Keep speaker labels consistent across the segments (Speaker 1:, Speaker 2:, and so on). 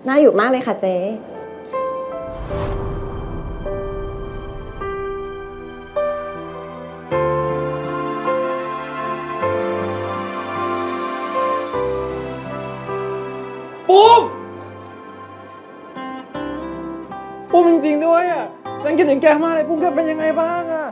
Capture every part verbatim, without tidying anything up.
Speaker 1: น่าอยู่มากเลยค่ะเจ๊
Speaker 2: ปุ้มปุ้มจริงๆด้วยอ่ะฉันคิดถึงแกมากเลยปุ้มแกเป็นยังไงบ้างอ่ะ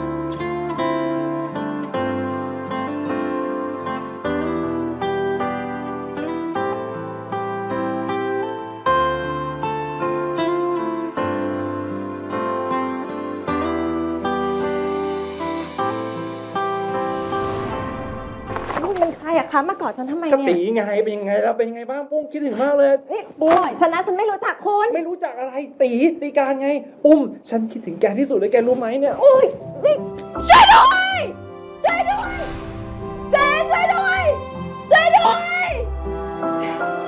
Speaker 1: คุณเป็นใครอะคะมากอดฉันทำไม
Speaker 2: กะ
Speaker 1: เนี่
Speaker 2: ตี
Speaker 1: ย
Speaker 2: ไงเป็นยังไงแล้วเป็นยังไงบ้างปุ้มคิดถึงมากเลย
Speaker 1: นี่ป
Speaker 2: ปุ้ม
Speaker 1: ล่อยฉันนะฉันไม่รู้จักคุณ
Speaker 2: ไม่รู้จักอะไรตีตีการไงปุ้มฉันคิดถึงแกที่สุดเลยแกรู้ไหมเนี่ย
Speaker 1: อุ้ยนี่ช่วยด้วยช่วยด้วยเจ๊ช่วยด้วยช่วยด้วย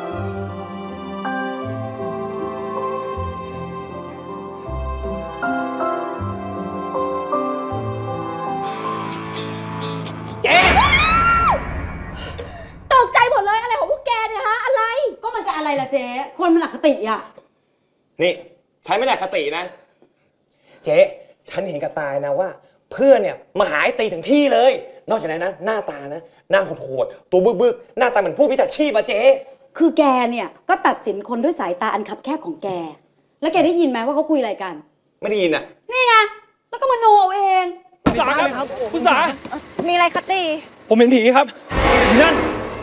Speaker 2: เจ๊
Speaker 1: ตกใจหมดเลยอะไรของพวกแกเนี่ยฮะอะไร
Speaker 3: ก็มันจะอะไรล่ะเจ๊คนมันอคติอ่ะ
Speaker 4: นี่ฉันไม่ได้อคตินะ เจ๊ฉันเห็นกับตายนะว่า เพื่อนเนี่ยมาหาไอ้ตีถึงที่เลย นอกจากนั้นนะหน้าตานะหน้าโหดๆตัวบึกๆหน้าตาเหมือนผู้พิจารชีพอะเจ๊
Speaker 3: คือแกเนี่ยก็ตัดสินคนด้วยสายตาอันคับแคบของแก แล้วแกได้ยินไหมว่าเขาคุยอะไรกัน
Speaker 4: ไม่ได้ยินอะ
Speaker 3: นี่ไง แล้วก็มโนเอาเอง
Speaker 2: คุณสาครับคุณสา
Speaker 1: มีอะไรคะตี
Speaker 2: ผมเห็นผีครับผีนั่น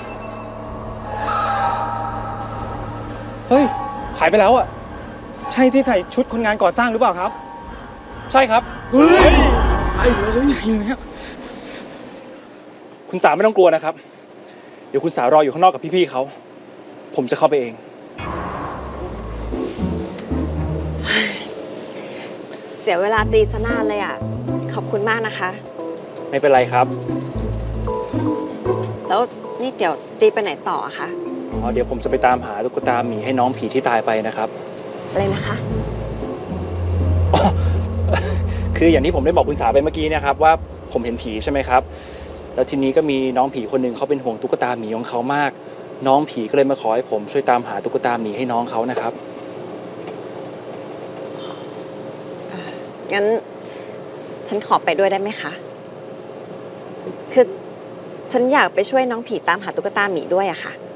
Speaker 2: เฮ้ยหายไปแล้วอ่ะ
Speaker 5: ใช่ที่ใส่ชุดคนงานก่อสร้างหรือเปล่าครับ
Speaker 2: ใช่ครับ
Speaker 5: เฮ้ยใช่เลยใช่เลยครับ
Speaker 2: คุณสาไม่ต้องกลัวนะครับ เดี๋ยวคุณสารออยู่ข้างนอกกับพี่ๆเขาผมจะเข้าไปเอง
Speaker 1: เสียเวลาตีซะนานเลยอ่ะขอบคุณมากนะคะ
Speaker 2: ไม่เป็นไรครับ
Speaker 1: แล้วนี่เดี๋ยวตีไปไหนต่ออะคะ
Speaker 2: อ๋อเดี๋ยวผมจะไปตามหาตุ๊กตาหมีให้น้องผีที่ตายไปนะครับ
Speaker 1: อะไรนะคะ
Speaker 2: คืออย่างที่ผมได้บอกคุณสาไปเมื่อกี้นะครับว่าผมเห็นผีใช่ไหมครับ แล้วทีนี้ก็มีน้องผีคนหนึ่งเขาเป็นห่วงตุ๊กตาหมีของเขามาก น้องผีก็เลยมาขอให้ผมช่วยตามหาตุ๊กตาหมีให้น้องเขานะครับ
Speaker 1: งั้นฉันขอไปด้วยได้ไหมคะ คือฉันอยากไปช่วยน้องผีตามหาตุ๊กตาหมีด้วยอะค่ะ